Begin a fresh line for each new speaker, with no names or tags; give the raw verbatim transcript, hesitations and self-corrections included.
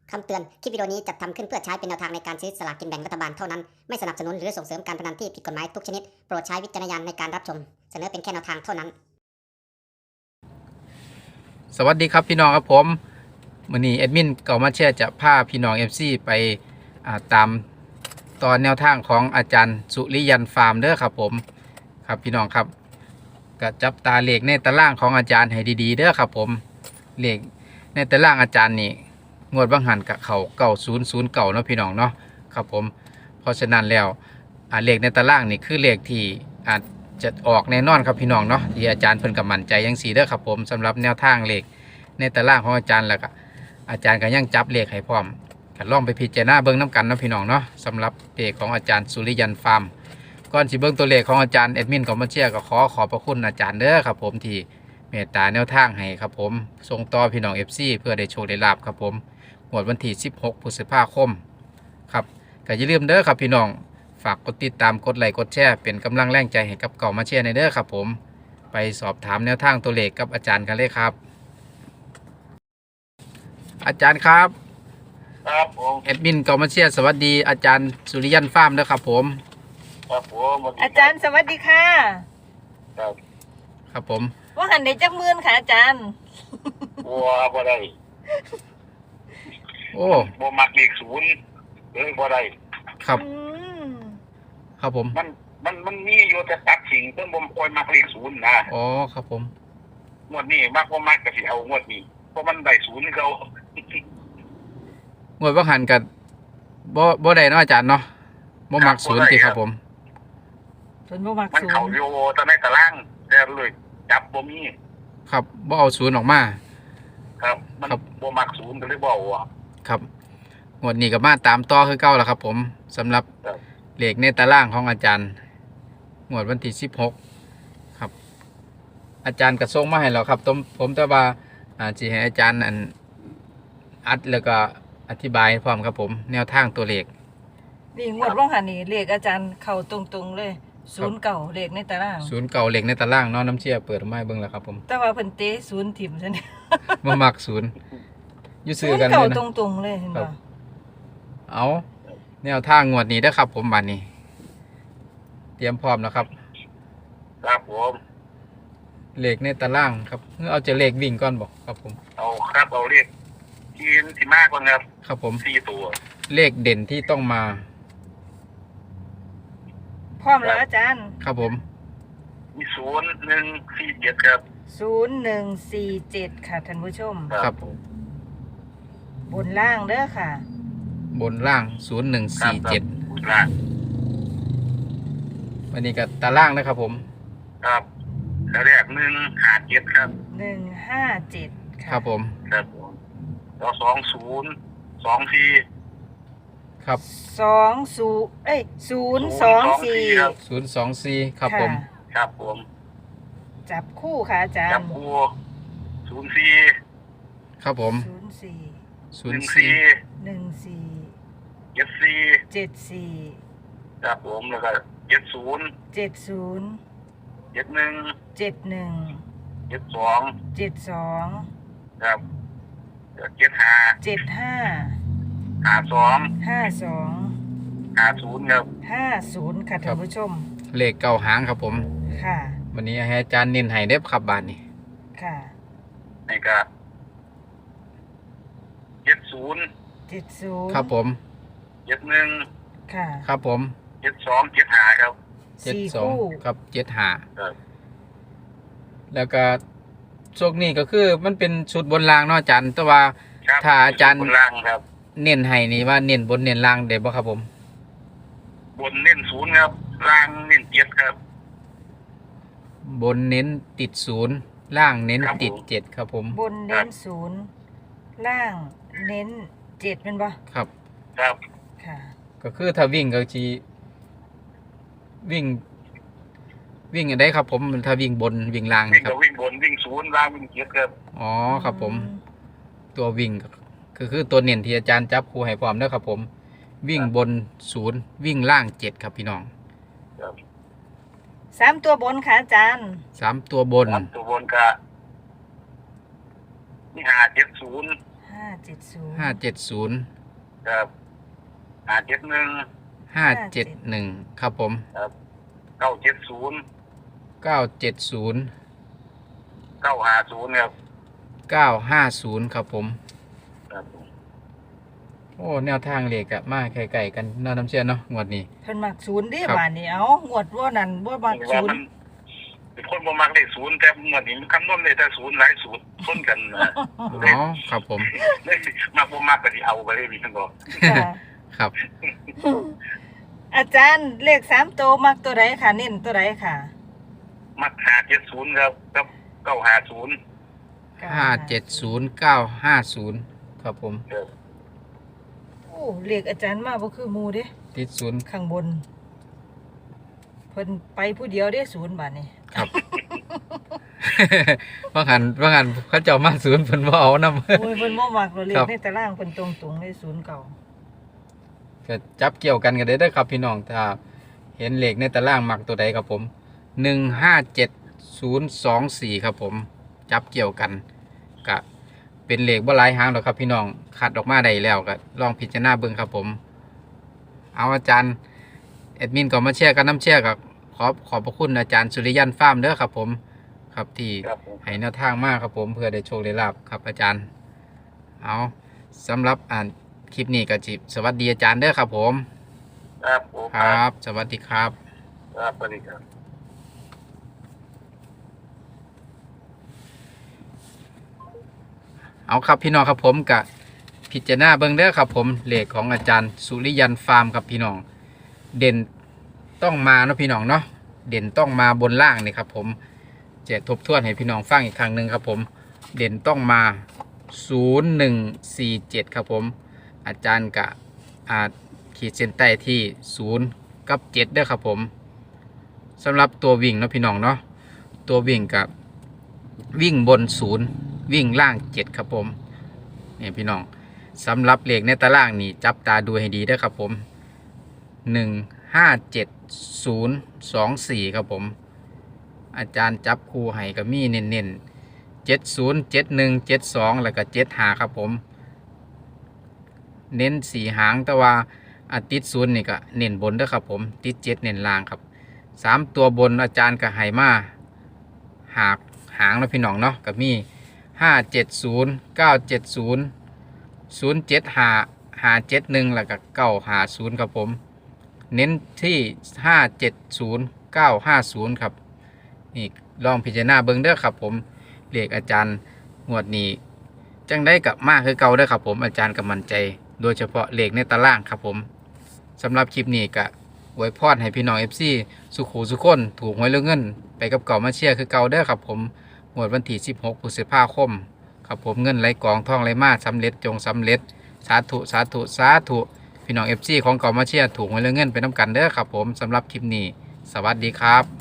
คำเตือน คลิปวิดีโอนี้จัดทำขึ้นเพื่อใช้เป็นแนวทางในการซื้อสลากกินแบ่งรัฐบาลเท่านั้น ไม่สนับสนุนหรือส่งเสริมการพนันที่ผิดกฎหมายทุกชนิด โปรดใช้วิจารณญาณในการรับชม เสนอเป็นแค่แนวทางเท่านั้น
สวัสดีครับพี่น้องครับผมมื้อนี้แอดมินเก่ามาแชร์จะพาพี่น้อง เอฟ ซี ไปตามตอนแนวทางของอาจารย์สุริยันฟาร์มเด้อครับผมครับพี่น้องครับก็จับตาเลขในตารางของอาจารย์ให้ดีๆเด้อครับผมเลขในตารางอาจารย์นี่งวดบางหันกับเขาเก้าศูนย์ศูนย์เก่าเนาะพี่น้องเนาะครับผมเพราะฉะนั้นแล้วเลขในตารางนี่คือเลขที่อาจจะออกแน่นอนครับพี่น้องเนาะที่อาจารย์เพิ่นก็มั่นใจยังสีเด้อครับผมสำหรับแนวทางเลขในตารางของอาจารย์แล้วก็อาจารย์ก็ยังจับเลขให้พร้อมก็ลองไปพิจารณาเบิ่งน้ำกันเนาะพี่น้องเนาะสำหรับเลขของอาจารย์สุริยันฟาร์มก่อนสิเบิ่งตัวเลขของอาจารย์แอดมินก็มาเชียร์ก็ขอขอบพระคุณอาจารย์เด้อครับผมที่เมตตาแนวทางให้ครับผมส่งต่อพี่น้อง เอฟ ซี เพื่อได้โชคได้ลาภครับผมงวดวันที่สิบหกพฤษภาคมครับก็อย่าลืมเด้อครับพี่น้องฝากกดติดตามกดไลค์กดแชร์เป็นกำลังแรงใจให้กับเก่ามาเชียร์ในเด้อครับผมไปสอบถามแนวทางตัวเลขกับอาจารย์กันเลยครับอาจารย์ครับ
ครับผม
แอดมินเก่ามาเชียร์สวัสดีอาจารย์สุริยันฟาร์มเด้อครับผม
ครับผม
อาจารย์สวัสดีค่ะ
ครับ
ครับผม
ว่าหันได้จักหมื่นค่ะอาจารย์
บัวบ่ได้
โอ้
บ่มักเลขศูนย์เลยบ่ได้
ครับ
อืม
ครับผม
มันมันมันมีอยู่แต่ตัดสิ่งเพิ่นบ่ค่อยมักเลขศูนย์นะ
อ๋อครับผม
งวดนี้มักบ่มักก็สิเอางวดนี้เพราะมันได้ศูนย์เขา
งวดว่าหันกับบ่บ่ได้เนาะอาจารย์เนาะบ่มักศูนย์ติครับผม
ส่วนบ่มัก
มัน
ศู
เข้าน
ย์
อยู่แต่ในตารางแต่เลยจับบ่มี
ครับบ่เอาศูนย์ออกมา
ครับ มัน
ครับ
บ่มักศูนย์ก็เลยบ่เอาอ่ะ
ครับงวดนี้ก็มาตามต่อคือเก่าแล้วครับผมสำหรับ
ครับ
เลขในตารางของอาจารย์งวดวันที่สิบหกครับอาจารย์ก็ส่งมาให้เราครับผมผมแต่ว่าอ่าสิให้อาจารย์อันอัดแล้วก็อธิบายพร้อมครับผมแนวทางตัวเลข
นี่งวดว่างหันนี่เลขอาจารย์เข้าตรงๆเลยศูนย์เก่าเลขในตาราง
ศูนย์เก่าเลขในตารางเนาะน้ำเชี่ยเปิดออกมาให้เบิ่งแล้วครับผม
แต่ว่าเพิ่นเตะศูนย์ถิ่มซะเนี่ย
บ่มักศูนย์อยู่
ศู
ซื้อน กัน
ย์
เล
เก่าย
นะ
ตรงๆเลยเห็น
ครั
บ่
บ เอาแนวทางงวดนี้เด้อครับผมบัดนี้ เตรียมพร้อมแล้วครับ
ครับผม
เลขในตารางครับเอาจะเลขวิ่งก่อนบอกครับผม
เอาครับเอาเลขที่ที่มากกว่าครับ
ครับผม
สี่ตัว
เลขเด่นที่ต้องมา
พร้อมแล้วอาจารย์
ครับผม
มีศูนย์หนึ่งสี่เจ็ดครับ
ศูนย์หนึ่งสี่เจ็ดค่ะท่านผู้ชม
ครับ
บนล่างเด้อค่ะ
บนล่างศูนย์หนึ่งสี่เจ็ด
ล่าง
วันนี้กับตารางนะครับผม
ครับแล้วแรกหนึ่งห้าเจ็ดครับ
หนึ่งห้าเจ็ด
ค
ค่ะ
รับผม
ครับผมแล้วสองศูนย์สองสี่
ครับ
สองศูนย์เอ้ยศูนย์สองสี่
ครับ
ศูนย์สองสี่ครับผม
ะ
ครับผม
จับคู่ค่ะอาจาร
จับ
ย์
คู่ศูนย์สี่
ครับผม
ศูนย์สี่
ศู
ห
น
นึ่
ย์
ง
สี่
สี่
หนึ่งสี่
เจ็ดสี่
เจ็ดสี่
ครับผมแล้วก็เจ็ดศูนย์
เจ็ดศูนย์
เจ็ดหนึ่ง
เจ็ดหนึ่ง
เจ็ดสอง
เจ็ดสอง
ครับแล้วเจ็ดห้า
เจ็ดห้า
ห้าสอง
ห้าสอง
ห้าศูนย์ครับ
ห้าศูนย์ค่ะท่านผู้ชม
เลขเก้าหางครับผม
ค่ะ
วันนี้ให้อาจารย์เน้นให้เด้อครับบาทนี้
ค่ะ
นี่ก็เจ็ดศูนย์
เจ็ดศูนย์
ครับผม
เจ็ดหนึ่ง
ค่ะ
ครับผม
เจ็ดสองเจ็ดห้าครับ
เจ็ด
สี่
สอง
คู่
ครับเจ็ดห้า
ครับ
แล้วก็โชคนี้ก็คือมันเป็นชุดบนรางเนาะอาจารย์แต่ว่า
ครับ
ถ้าอาจารย์
บนล่างครับ
เน้นให้นี่ว่าเน้นบนเน้นล่างได้บ่ครับผม
บนเน้นศูนย์ครับล่างเน้นเจ็ดครับ
บนเน้นติดศูนย์ล่างเน้น
ครับ
ติด
ผม
เจ็ดครับผม
บนเน้นศูนย์ล่างเน้นเจ็ดเป็นปะ
ครับ
ครับ
ค่ะ
ก็คือถ้าวิ่งก็จีวิ่ง วิ่งอันใดครับผมถ้าวิ่งบนวิ่งล่าง
วิ่ง
ครั
ก็
บ
วิ่งบนวิ่งศูนย์ล่างวิ่งเจ็ดครับ
อ๋อครับผม ตัววิ่งก็ก็คือตัวเน้นที่อาจารย์จับคู่ให้พร้อมแล้วครับผม วิ่งบนศูนย์วิ่งล่างเจ็ดครับพี่น้อง
ครับ
สามตัวบนค่ะอาจารย์
สามตัวบน
ครับตัวบนก็นี่ห้าเจ็ดศูนย์
หห้าเจ็ดศูนย์
ห้าเจ็ดศูนย์
ครับห้าเจ็ดหนึ่ง
ห้าเจ็ดหนึ่งครับผม
ครับเก้าเจ็ดศูนย์
เก้าเจ็ดศูนย์
เก้าห้าศูนย์ครับ
เก้าห้าศูนย์ครับผม
ครับผม
โอ้แนวทางเลขอะมาไกลๆกันเน่าน้ำเชื่อเนาะงวดนี้
เพิ่นมักศูนย์เดิ
ครับ
บาดนี้เอางวดว่านั่นบ่มัก
ว่า
ศูน
มั
ย์
นเป็นคนบ่มักเลขศูนย์แต่เมื่อนี้มันคำนวณได้แต่ศูนย์หลายศูนย์ชนกันนะ
อ๋อครับผม
เลยมักบ่มักก็สิเอาไปเลยมีทั้งบ่
ค่ะ
ครับ
อาจารย์เลขสามตัวมักตัวใดค่ะเน้นตัวใดค่ะ
มักห้าเจ็ดศูนย์ครับกับเก้าห้าศูนย์
ห้าเจ็ดศูนย์เก้าห้าศูนย์ครับผม
ครับ
โอ้เลขอาจารย์มาบ่คือหมู่เด้
ติดศูนย์
ข้างบนเพิ่นไปผู้เดียวเด้ศูนย์บาดนี้
ครับ ว่าหันว่าหันเขาเจ้ามาศูนย์เพิ่นบ่เอานำ
โอ้ยเพิ่นบ่มักเราเล
ครั
ข
บ
ในตารางเพิ่นตรงๆเลยศูนย์เก่า
ก็จับเกี่ยวกันกันได้เด้อครับพี่น้องถ้าเห็นเลขในตารางมักตัวใดครับผมหนึ่งห้าเจ็ดศูนย์สองสี่ครับผมจับเกี่ยวกันกะเป็นเลขบ่หลายหางหรอกครับพี่น้องคัดออกมาได้แล้วก็ลองพิจารณาเบิ่งครับผม เอาอาจารย์แอดมินก็มาแชร์กันน้ำแชร์กับขอบขอบพระคุณอาจารย์สุริยันฟาร์มเด้อครับผมครับที่
ครับผม
ให้แนวทางมากครับผมเพื่อได้โชคได้ลาบครับอาจารย์ เอาสำหรับอ่านคลิปนี้ก็จิสวัสดีอาจารย์เด้อครับผม
ครับผม
ครับ สวัสดีครับ
ครับสวัสดีครับ
เอาครับพี่น้องครับผมกับพิจารณาเบิ่งเด้อครับผมเลขของอาจารย์สุริยันฟาร์มครับพี่น้องเด่นต้องมาเนาะพี่น้องเนาะเด่นต้องมาบนล่างนี่ครับผมจะทบทวนให้พี่น้องฟังอีกครั้งหนึ่งครับผมเด่นต้องมาศูนย์หนึ่งสี่เจ็ดครับผมอาจารย์กะอาขีดเส้นใต้ที่ศูนย์กับเจ็ดเด้อครับผมสำหรับตัววิ่งเนาะพี่น้องเนาะตัววิ่งกับวิ่งบนศูนย์วิ่งล่างเจ็ดครับผมเนี่ยพี่น้องสำหรับเลขในตารางนี่จับตาดูให้ดีเด้อครับผมหนึ่งห้าเจ็ดศูนย์สองสี่ครับผมอาจารย์จับคู่ให้กับมีเน้นๆเจ็ดศูนย์เจ็ดหนึ่งเจ็ดสองแล้วก็เจ็ดหาครับผมเน้นสี่หางแต่ว่าอาติดศูนย์นี่ก็เน้นบนเด้อครับผมติดเจ็ดเน้นล่างครับสามตัวบนอาจารย์ก็ให้มาหากหางแล้วพี่น้องเนาะกับมีห้าเจ็ดศูนย์เก้าเจ็ดศูนย์ศูนย์เจ็ดหาหาเจ็ดหนึ่งแล้วก็เก้าหาศูนย์ครับผมเน้นที่ห้าเจ็ดศูนย์เก้าห้าศูนย์ครับนี่ลองพิจารณาเบิ่งเด้อครับผมเลขอาจารย์งวดนี้จังได้กับมากคือเก่าเด้อครับผมอาจารย์ก็มั่นใจโดยเฉพาะเลขในตารางครับผมสำหรับคลิปนี้ก็อวยพรให้พี่น้อง เอฟ ซี สุขูสุขคนถูกหวยเรื่องเงินไปกับเก่ามาเชียร์คือเก่าเด้อครับผมงวดวันที่สิบหกพฤษภาคมครับผมเงินไหลกองท่องไหลมาสำเร็จจงสำเร็จสาธุสาธุสาธุพี่น้อง เอฟ ซี ของเก่ามาเชียร์ถูกหวยเรื่องเงินไปน้ำกันเด้อครับผมสำหรับคลิปนี้สวัสดีครับ